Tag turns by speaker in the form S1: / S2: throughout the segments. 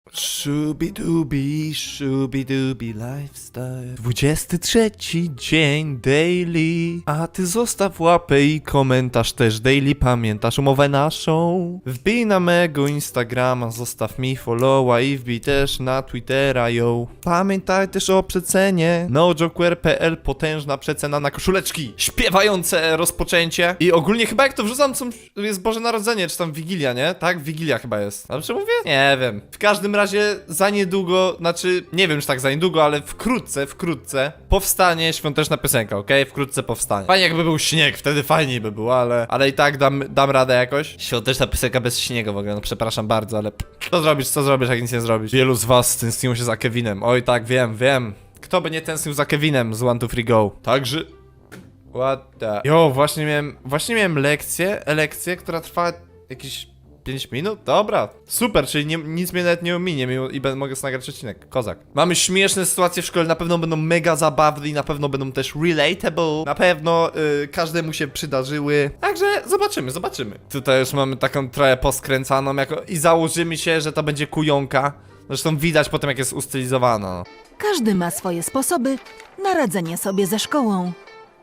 S1: Shubidubi lifestyle. 23 dzień daily. A ty zostaw łapę i komentarz też daily. Pamiętasz umowę naszą? Wbij na mego Instagrama, zostaw mi followa i wbij też na Twittera, yo. Pamiętaj też o przecenie. NoJoker.pl, potężna przecena na koszuleczki. Śpiewające rozpoczęcie. I ogólnie chyba jak to wrzucam, jest Boże Narodzenie, czy tam Wigilia, nie? Tak? Wigilia chyba jest. Dobrze mówię? Nie wiem. W każdym razie za niedługo, znaczy nie wiem czy tak za niedługo, ale wkrótce powstanie świąteczna piosenka, okej? Wkrótce powstanie. Fajnie jakby był śnieg, wtedy fajniej by było, ale i tak dam radę jakoś. Świąteczna piosenka bez śniegu w ogóle, no przepraszam bardzo, ale co zrobisz jak nic nie zrobisz? Wielu z was tęskniło się za Kevinem. Oj tak, wiem. Kto by nie tęsknił za Kevinem z 1, 2, 3, go? Także... What the... Jo, właśnie miałem lekcję, która trwa jakieś 5 minut? Dobra, super, czyli nic mnie nawet nie ominie i mogę sobie nagrać odcinek. Kozak. Mamy śmieszne sytuacje w szkole, na pewno będą mega zabawne i na pewno będą też relatable. Na pewno każdemu się przydarzyły. Także zobaczymy. Tutaj już mamy taką trochę poskręcaną i założymy się, że to będzie kujonka. Zresztą widać potem jak jest ustylizowana. No.
S2: Każdy ma swoje sposoby na radzenie sobie ze szkołą.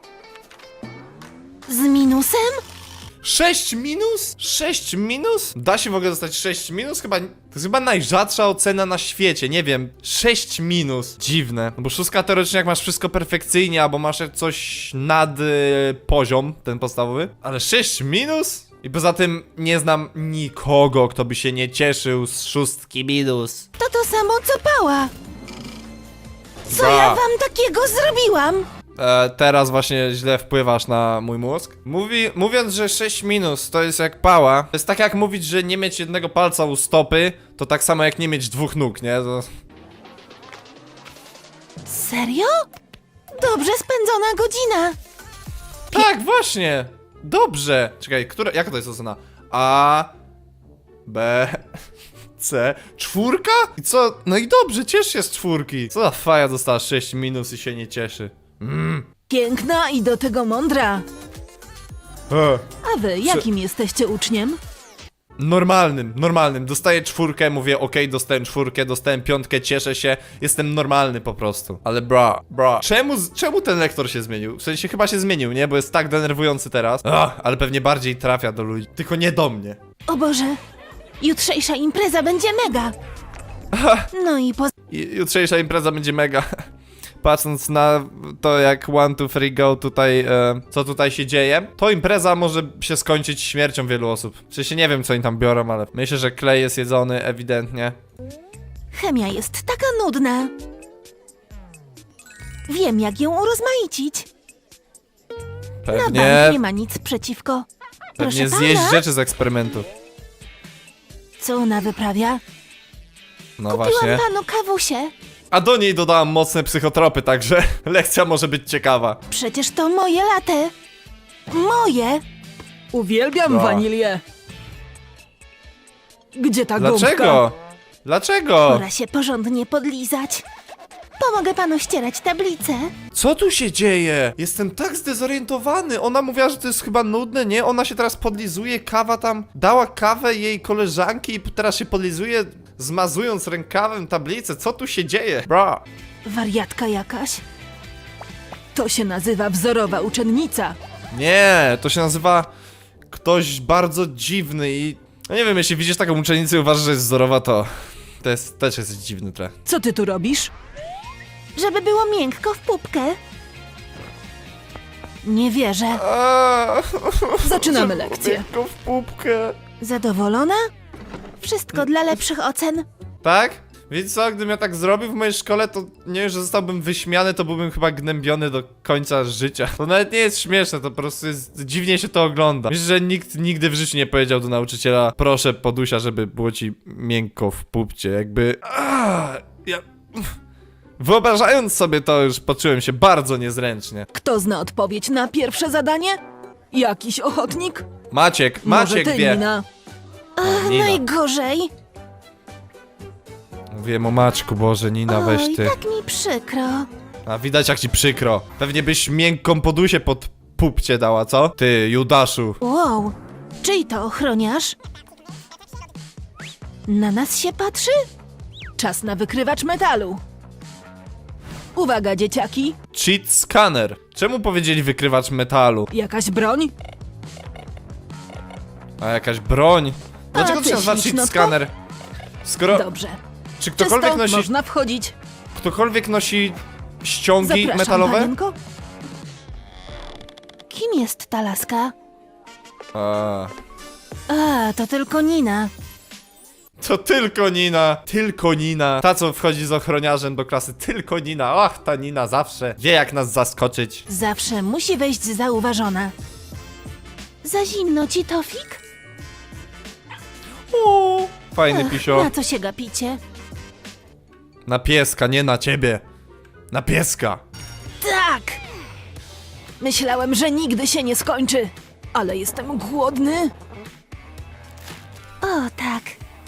S2: Z minusem?
S1: 6 minus? 6 minus? Da się w ogóle dostać 6 minus? To jest chyba najrzadsza ocena na świecie, nie wiem. 6 minus. Dziwne. No bo szóstka teoretycznie jak masz wszystko perfekcyjnie, albo masz coś nad poziom, ten podstawowy. Ale 6 minus? I poza tym nie znam nikogo, kto by się nie cieszył z szóstki minus.
S2: To samo co Pała. Co ja wam takiego zrobiłam?
S1: Teraz właśnie źle wpływasz na mój mózg. Mówiąc, że 6 minus to jest jak Pała, to jest tak jak mówić, że nie mieć jednego palca u stopy, to tak samo jak nie mieć 2 nóg, nie?
S2: Serio? Dobrze spędzona godzina.
S1: Tak, właśnie! Dobrze! Czekaj, jaka to jest ocena? A... B... C... 4? I co? No i dobrze, ciesz się z 4. Co za faja dostała 6 minus i się nie cieszy?
S2: Piękna i do tego mądra. A wy jakim jesteście uczniem?
S1: Normalnym. Dostaję 4, mówię okej, dostałem 4, dostałem 5, cieszę się, jestem normalny po prostu. Ale bra. Czemu ten lektor się zmienił? W sensie chyba się zmienił, nie? Bo jest tak denerwujący teraz. Ale pewnie bardziej trafia do ludzi. Tylko nie do mnie.
S2: O Boże, jutrzejsza impreza będzie mega. No i
S1: Jutrzejsza impreza będzie mega. Patrząc na to jak 1, 2, 3, go tutaj, co tutaj się dzieje, to impreza może się skończyć śmiercią wielu osób. W sensie nie wiem co oni tam biorą, ale myślę, że klej jest jedzony ewidentnie.
S2: chemia jest taka nudna. Wiem jak ją urozmaicić. Na bank nie ma nic przeciwko.
S1: Pewnie
S2: Proszę
S1: zjeść
S2: pana?
S1: rzeczy z eksperymentu.
S2: Co ona wyprawia?
S1: No
S2: Kupiłam
S1: właśnie.
S2: panu kawusie.
S1: A do niej dodałam mocne psychotropy, także lekcja może być ciekawa.
S2: Przecież to moje latte. Moje.
S3: Uwielbiam
S1: No.
S3: wanilię. Gdzie ta gąbka?
S1: Dlaczego?
S2: Pora się porządnie podlizać. Pomogę panu ścierać tablicę.
S1: Co tu się dzieje? Jestem tak zdezorientowany. Ona mówiła, że to jest chyba nudne, nie? Ona się teraz podlizuje, kawa tam... Dała kawę jej koleżanki i teraz się podlizuje, zmazując rękawem tablicę. Co tu się dzieje? Bra.
S2: Wariatka jakaś.
S3: To się nazywa wzorowa uczennica.
S1: Nie, to się nazywa ktoś bardzo dziwny i... No nie wiem, jeśli widzisz taką uczennicę i uważasz, że jest wzorowa, to też jest dziwny trochę.
S3: Co ty tu robisz?
S2: Żeby było miękko w pupkę. Nie wierzę.
S3: Zaczynamy lekcję.
S1: Tylko w pupkę.
S2: Zadowolona? Wszystko dla lepszych ocen.
S1: Tak? Wiecie co, gdybym ja tak zrobił w mojej szkole, to nie wiem, że zostałbym wyśmiany, to byłbym chyba gnębiony do końca życia. To nawet nie jest śmieszne, to po prostu jest... dziwnie się to ogląda. Myślę, że nikt nigdy w życiu nie powiedział do nauczyciela: proszę podusia, żeby było ci miękko w pupcie, jakby... Wyobrażając sobie to, już poczułem się bardzo niezręcznie.
S3: Kto zna odpowiedź na pierwsze zadanie? Jakiś ochotnik?
S1: Maciek
S3: Może ty,
S1: wie.
S3: Nina?
S1: Nina.
S2: Najgorzej.
S1: Wiem o Maćku, Boże, Nina, weź
S2: Oj,
S1: ty.
S2: tak mi przykro.
S1: A widać jak ci przykro. Pewnie byś miękką podusię pod pupcie dała, co? Ty, Judaszu.
S2: Wow, czyj to ochroniarz? Na nas się patrzy? Czas na wykrywacz metalu. Uwaga, dzieciaki.
S1: Cheat scanner. Czemu powiedzieli wykrywacz metalu?
S2: Jakaś broń?
S1: A jakaś broń? Dlaczego
S2: A
S1: to się
S2: ty,
S1: nazywa cheat
S2: ślicznotko?
S1: scanner? Skoro...
S2: Dobrze.
S1: Czy ktokolwiek
S2: Czysto,
S1: nosi...
S2: można wchodzić.
S1: Ktokolwiek nosi ściągi
S2: Zapraszam,
S1: metalowe?
S2: panienko. Kim jest ta laska? A, to tylko Nina.
S1: To tylko Nina. Tylko Nina. Ta, co wchodzi z ochroniarzem do klasy. Tylko Nina. Ach, ta Nina zawsze wie, jak nas zaskoczyć.
S2: Zawsze musi wejść zauważona. Za zimno ci, Tofik?
S1: O, fajny pisio.
S2: Na co się gapicie?
S1: Na pieska, nie na ciebie. Na pieska.
S2: Tak! Myślałem, że nigdy się nie skończy, ale jestem głodny. O, tak.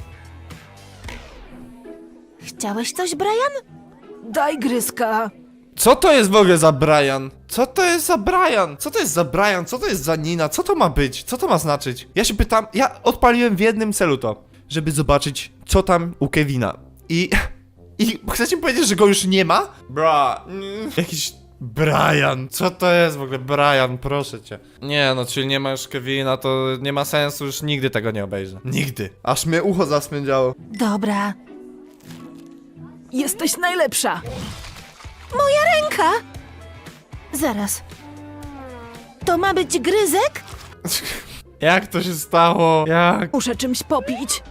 S2: Chciałeś coś, Brian? Daj gryzka.
S1: Co to jest w ogóle za Brian? Co to jest za Brian? Co to jest za Brian? Co to jest za Nina? Co to ma być? Co to ma znaczyć? Ja się pytam, ja odpaliłem w jednym celu to, żeby zobaczyć, co tam u Kevina. I chcecie mi powiedzieć, że go już nie ma? Jakiś Brian. Co to jest w ogóle Brian? Proszę cię. Nie no, czyli nie ma już Kevina, to nie ma sensu, już nigdy tego nie obejrzę. Nigdy. Aż mnie ucho zasmędziało.
S2: Dobra.
S3: Jesteś najlepsza.
S2: Moja ręka! Zaraz. To ma być gryzek?
S1: Jak to się stało? Jak?
S3: Muszę czymś popić.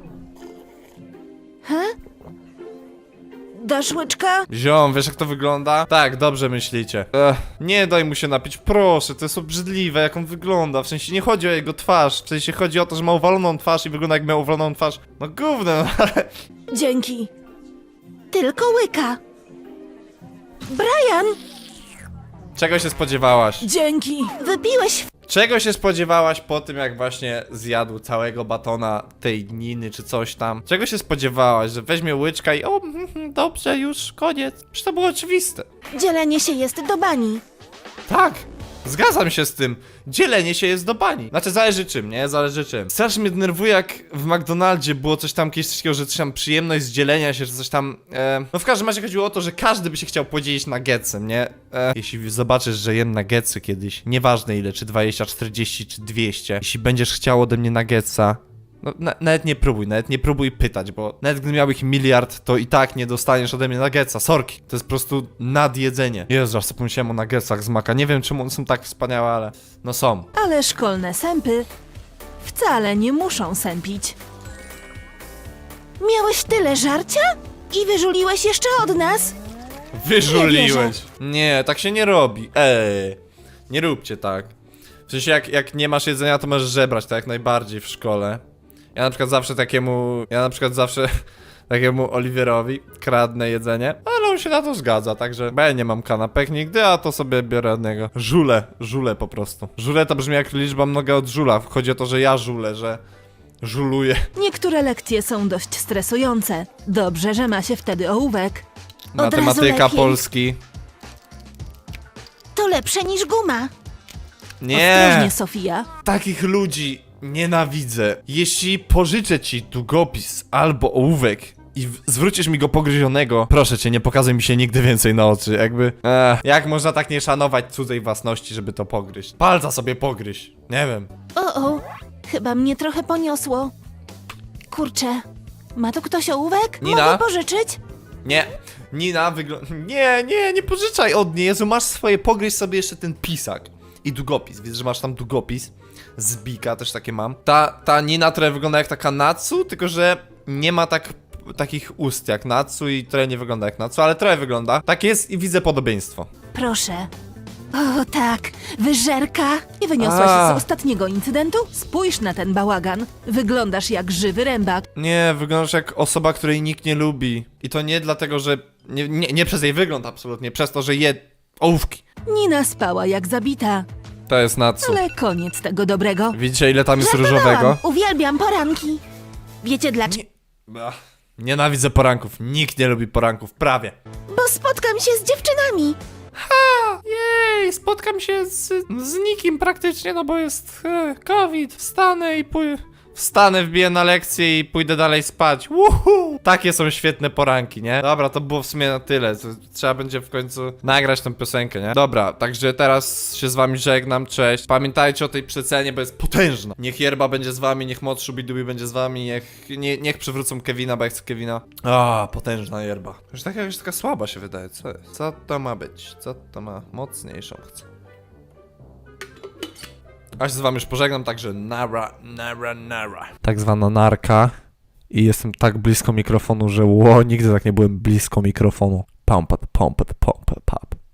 S2: Dasz łyczka?
S1: Ziom, wiesz jak to wygląda? Tak, dobrze myślicie. Nie daj mu się napić, proszę, to jest obrzydliwe jak on wygląda. W sensie nie chodzi o jego twarz, w sensie chodzi o to, że ma uwaloną twarz i wygląda jak miał uwaloną twarz. No gówno, no, ale...
S2: Dzięki. Tylko łyka. Brian,
S1: Czego się spodziewałaś?
S3: Dzięki.
S2: wypiłeś
S1: Czego się spodziewałaś po tym, jak właśnie zjadł całego batona tej Niny czy coś tam? Czego się spodziewałaś, że weźmie łyczka i o, dobrze, już, koniec? Przecież to było oczywiste.
S2: dzielenie się jest do bani.
S1: Tak, zgadzam się z tym. Dzielenie się jest do bani. Znaczy, zależy czym, nie? Zależy czym. Strasznie mnie denerwuje, jak w McDonaldzie było coś tam kiedyś takiego, że coś tam przyjemność z dzielenia się, że coś tam... No w każdym razie chodziło o to, że każdy by się chciał podzielić nuggetsem, nie? Jeśli zobaczysz, że jem nuggetsy kiedyś, nieważne ile, czy 20, 40, czy 200, jeśli będziesz chciał ode mnie nuggetsa, no, nawet nie próbuj pytać, bo nawet gdy miał ich miliard, to i tak nie dostaniesz ode mnie nuggetsa, sorki. To jest po prostu nadjedzenie. Jezu, aż sobie pomyślałem o nuggetsach z Maka. Nie wiem, czemu one są tak wspaniałe, ale no są.
S2: Ale szkolne sępy wcale nie muszą sępić. Miałeś tyle żarcia? I wyżuliłeś jeszcze od nas?
S1: Wyżuliłeś. Nie, tak się nie robi. Nie róbcie tak. W sensie jak nie masz jedzenia, to możesz żebrać, tak jak najbardziej w szkole. Ja na przykład zawsze takiemu Oliwierowi kradnę jedzenie, ale on się na to zgadza, także bo ja nie mam kanapek nigdy, a to sobie biorę od niego. Żule po prostu. Żule to brzmi jak liczba mnoga od żula. Chodzi o to, że ja żulę, że żuluję.
S2: Niektóre lekcje są dość stresujące. Dobrze, że ma się wtedy ołówek. Od razu
S1: Matematyka,
S2: lepiej.
S1: polski.
S2: To lepsze niż guma.
S1: Nie!
S2: Ostrożnie, Sofia.
S1: Takich ludzi nienawidzę. Jeśli pożyczę ci długopis albo ołówek i zwrócisz mi go pogryzionego, proszę cię, nie pokazuj mi się nigdy więcej na oczy, jakby... jak można tak nie szanować cudzej własności, żeby to pogryźć? Palca sobie pogryź, nie wiem.
S2: O, chyba mnie trochę poniosło. Kurczę, ma tu ktoś ołówek?
S1: Nina?
S2: Mogę pożyczyć?
S1: Nie, Nina wygląda... Nie pożyczaj od niej, Jezu, masz swoje, pogryź sobie jeszcze ten pisak. I długopis, widzę, że masz tam długopis. Z Bika też takie mam. Ta Nina trochę wygląda jak taka Natsu, tylko że nie ma takich ust jak Natsu i trochę nie wygląda jak Natsu, ale trochę wygląda. Tak jest i widzę podobieństwo.
S2: Proszę. O tak, wyżerka. Nie wyniosłaś
S1: A.
S2: z ostatniego incydentu? Spójrz na ten bałagan. Wyglądasz jak żywy rębak.
S1: Nie, wyglądasz jak osoba, której nikt nie lubi. I to nie dlatego, że... Nie przez jej wygląd absolutnie, przez to, że je ołówki.
S2: Nina spała jak zabita.
S1: To jest Natsu.
S2: Ale koniec tego dobrego.
S1: Widzicie, ile tam jest
S2: Żartowałam.
S1: różowego?
S2: Uwielbiam poranki. Wiecie dlaczego?
S1: Nienawidzę poranków. Nikt nie lubi poranków, prawie.
S2: Bo spotkam się z dziewczynami.
S1: Jej, spotkam się z nikim praktycznie, no bo jest COVID, wstanę i Wstanę, wbiję na lekcję i pójdę dalej spać. Woohoo! Takie są świetne poranki, nie? Dobra, to było w sumie na tyle. Trzeba będzie w końcu nagrać tą piosenkę, nie? Dobra, także teraz się z wami żegnam, cześć. Pamiętajcie o tej przecenie, bo jest potężna. Niech Yerba będzie z wami, niech Mod Shubidubi będzie z wami, niech przywrócą Kevina, bo ja chcę Kevina. Potężna Yerba. Już tak jakaś taka słaba się wydaje, co jest? Co to ma być? Co to ma? Mocniejszą chcę. A się z wami już pożegnam, także nara. Tak zwana narka. I jestem tak blisko mikrofonu, że nigdy tak nie byłem blisko mikrofonu. Pump, pump, pump, pump.